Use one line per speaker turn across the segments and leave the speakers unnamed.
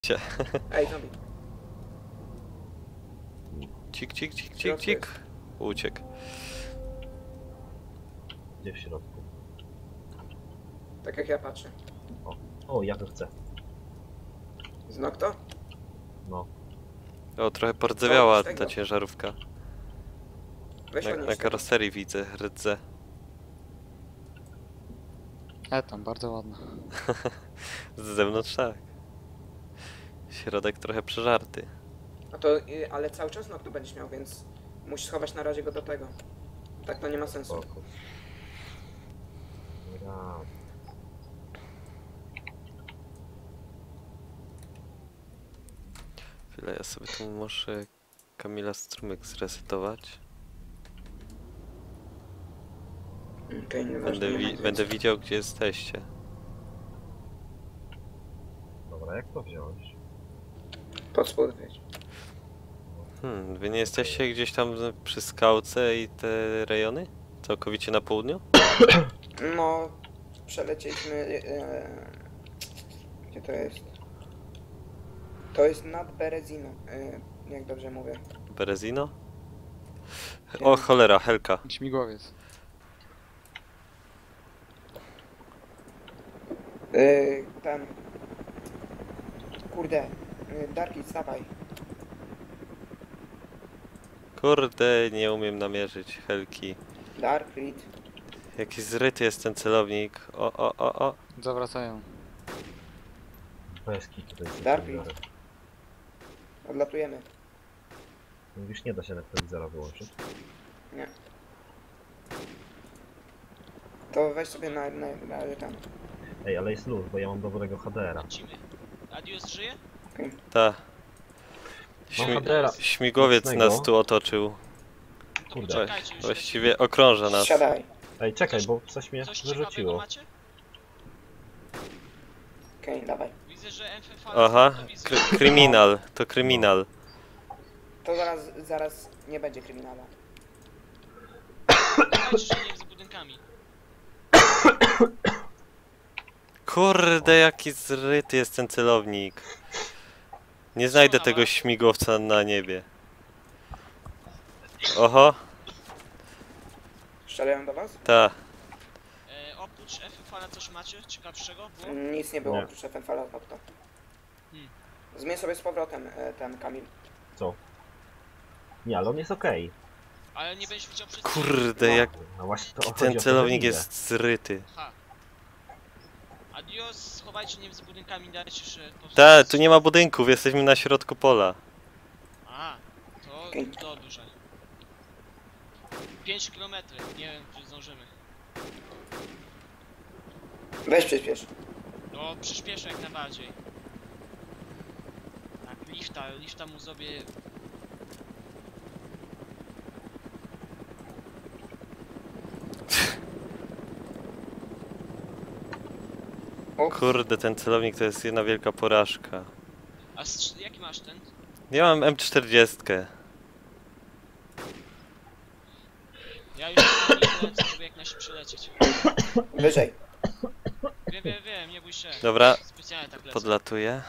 Ej, zombie.
Cik, cik, cik, cik, cik. Uciekł.
Gdzie w środku?
Tak jak ja patrzę.
O, ja to chcę.
Znok to?
No.
O, trochę pordzewiała
Co, z tego?
ta ciężarówka.
Weź
Na
odnieś tego.
karoserii widzę rdzę.
Tam bardzo ładna.
Z zewnątrz tak. Środek trochę przeżarty.
A to, ale cały czas znok to będziesz miał, więc musisz schować na razie go do tego. Tak to nie ma sensu.
Spoko. Ja.
Chwilę, ja sobie tu muszę Kamila strumyk zresetować.
Okej, nieważne.
Będę widział, gdzie jesteście.
Dobra, jak to wziąć?
Pod spód wejdź.
Wy nie jesteście gdzieś tam przy skałce i te rejony? Całkowicie na południu?
No, przelecieliśmy... gdzie to jest? To jest nad Berezino, jak dobrze mówię.
Berezino? O cholera, Helka.
Śmigłowiec.
Ten... Kurde, Darki, stawaj.
Kurde, nie umiem namierzyć Helki.
Dark, Reed.
Jaki zryty jest ten celownik. O.
Zawracają.
Bez kitu to jest.
Dark Reed. Odlatujemy.
Mówisz, nie da się telewizora wyłączyć.
Nie. To weź sobie na tam.
Ej, ale jest luz, bo ja mam dobrego HDR-a.
Lecimy. Adios żyje?
Ta.
Mam HDR-a.
Śmigłowiec
mocnego.
nas tu otoczył.
To
Kurde.
poczekajcie już.
Właściwie okrąża nas.
Siadaj.
Ej, czekaj, bo coś mnie
Coś ciekawego
wyrzuciło.
macie?
Okej, dawaj.
Widzę, że MFV
Aha,
telewizor.
kryminal. To kryminal.
To zaraz nie będzie kryminala.
Poczekajcie, że nie z budynkami.
Kurde, jaki zryty jest ten celownik. Nie znajdę tego śmigłowca na niebie. Oho,
Strzelają do was?
ta.
Oprócz FFV coś macie ciekawszego było?
Nic nie było
Nie.
oprócz FNFL-a to.
Hmm.
Zmień sobie z powrotem ten Kamil.
Co? Nie, ale on jest okej.
Ale nie będziesz widział przez...
Kurde,
No.
jaki
No właśnie to chodzi
ten
o to, że
celownik
widzę.
jest zryty.
Ha. Adios, schowajcie nie z budynkami, dajcie się...
Ta, tu nie ma budynków, jesteśmy na środku pola.
A, to
Okej.
dobrze. 5 km, nie wiem czy zdążymy.
Weź przyspiesz.
No przyspieszę jak najbardziej. Tak, lifta mu zrobię...
Kurde, ten celownik to jest jedna wielka porażka.
A jaki masz ten?
Ja mam M40.
Ja już nie lecę, żeby jak najszybciej lecieć.
Wyżej.
Wiem, nie bój się.
Dobra,
Specjalnie tak lecę.
podlatuję.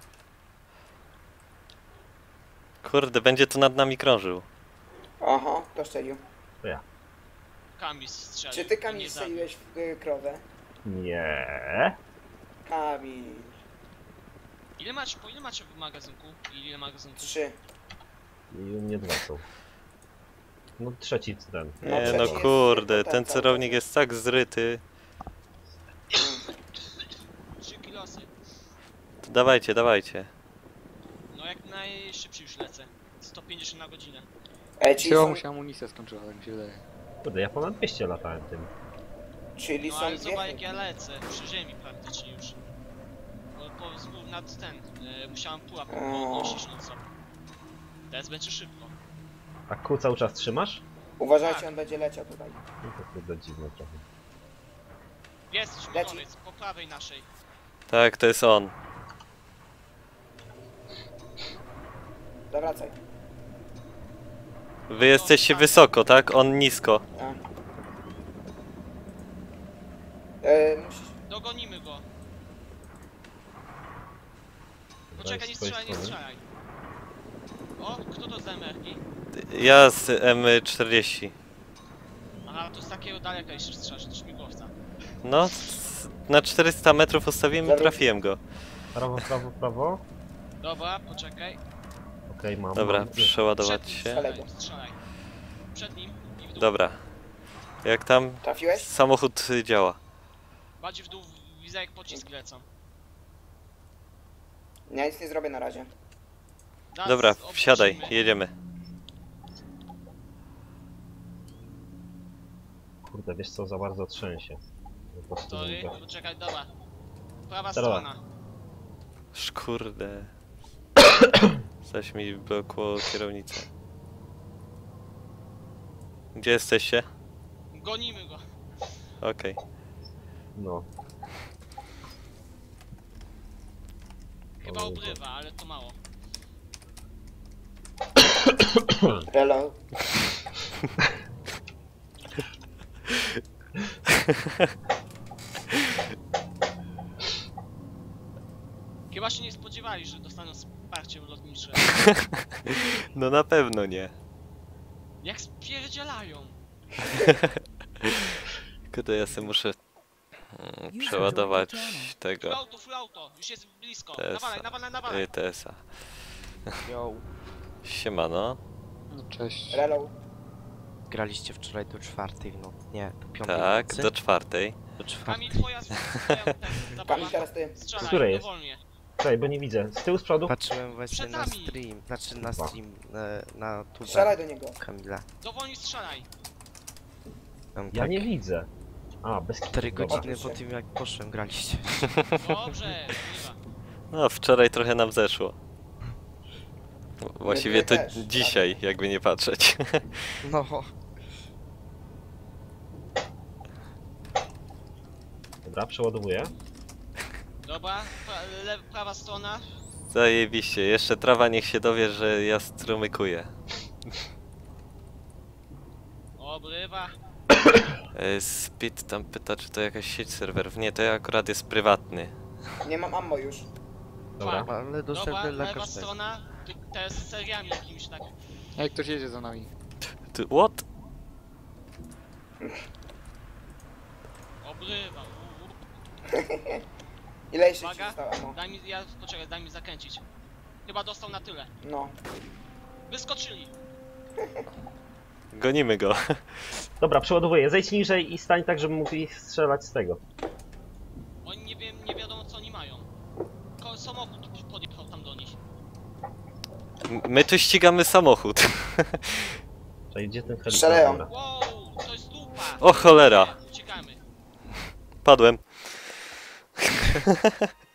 Kurde, będzie tu nad nami krążył.
Oho, to strzelił.
Kamil strzelił.
Czy ty
i
Kamil
nie zabił.
strzeliłeś w krowę?
Nie.
Kamil.
Po ile macie w magazynku? Ile magazynków?
3.
I u mnie dwa są. No trzeci ten.
No,
Nie
przecież
no
jest
kurde,
tylko
ten
ten
celownik
cały.
jest tak zryty.
3 kilosy.
To dawajcie.
No jak najszybciej już lecę. 150 na godzinę.
Czyli
Chyba
są,
mu się amunicja skończyła, tak mi się wydaje.
Kurde, ja ponad 200 latałem tym.
czyli
No
są
ale
dwie
zobacz jak ja
chętnie.
lecę. Przy ziemi praktycznie już. No nad ten. Musiałem pułapkę
O.
podnosić no co. Teraz będzie szybko.
A kół cały czas trzymasz?
Uważajcie,
Tak.
on będzie leciał tutaj.
No to kurde dziwne trochę.
Jest śmigłowiec, po prawej naszej.
Tak, to jest on.
Zawracaj.
Wy jesteście wysoko, tak? On nisko.
A. Musisz...
Dogonimy go.
Dobra,
Poczekaj, nie
z twojej
strzelaj, nie
strony.
strzelaj. O, kto to z MR-ki?
Ja z M40.
Aha, to z takiego daleka jeszcze strzelasz, to śmigłowca.
No, na 400 metrów ustawiłem i
Zaraz.
trafiłem go.
Prawo, prawo, prawo.
Dobra, poczekaj.
Okej, mam.
Dobra,
mam.
przeładować
Przed nim
się.
strzelaj, strzelaj. Przed nim i w dół.
Dobra. Jak tam
Trafiłeś?
samochód działa?
Bardziej w dół, widzę jak pocisk lecą.
Ja nic nie zrobię na razie.
Zaraz
Dobra,
obrócimy.
wsiadaj, jedziemy.
Kurde, wiesz co, za bardzo trzęsie. Po prostu
Sorry,
mówię.
poczekaj, dobra. Prawa
Dobra.
strona.
Szkurde. Zaś mi blokło kierownicę. Gdzie jesteście?
Gonimy go.
Okej.
No.
Chyba
Oj,
obrywa, ale to mało.
Hello.
Chyba się nie spodziewali, że dostaną wsparcie lotnicze.
No na pewno nie.
Jak spierdzielają.
Kurde, ja sobie muszę przeładować tego
Full auto, już jest blisko.
TS-a.
Nawalaj, nawalaj, nawalaj.
TS-a.
Yo,
Siemano.
No cześć.
Hello.
graliście wczoraj do 4 w nocy? Nie, do 5
Tak,
nocy?
do 4.
Do 4.
Kamil, twoja zabawa.
Kamil, teraz ty.
Strzelaj,
Której jest?
dowolnie.
Czekaj, bo nie widzę. Z tyłu, z przodu?
Patrzyłem właśnie
Przed
na
nami.
stream, znaczy na stream, na tubę
Strzelaj do niego.
Kamila.
Dowolnie strzelaj.
Tam
Ja
tak
nie widzę. A, bez kitu,
4
dobra.
godziny po tym jak poszłem graliście.
Dobrze, chyba.
No, wczoraj trochę nam zeszło. Właściwie to
też,
dzisiaj, jakby nie patrzeć.
No,
Dobra, przeładowuję.
Dobra, prawa strona.
Zajebiście, jeszcze trawa niech się dowie, że ja strumykuję.
Obrywa.
Speed tam pyta, czy to jakaś sieć serwerów. Nie, to akurat jest prywatny.
Nie mam ammo już.
Dobra.
ale
Dobra,
dostępny dla
lewa
każdego.
strona. Te z seriami jakimiś tak.
Ej, ktoś jedzie za nami.
Ty, what?
Obrywa.
Ile jeszcze ci
Uwaga.
zostało ammo?
Poczekaj, daj mi zakręcić. Chyba dostał na tyle.
No.
Wyskoczyli.
Gonimy go.
Dobra, przeładowuję. Zejdź niżej i stań tak, żeby mógł ich strzelać z tego.
Oni nie wiadomo co oni mają. Samochód podjechał tam do nich.
My tu ścigamy samochód.
Czekaj, gdzie ten helikopter?
Strzelają.
Dobra.
Wow, to jest dupa.
O cholera.
Uciekamy.
Padłem.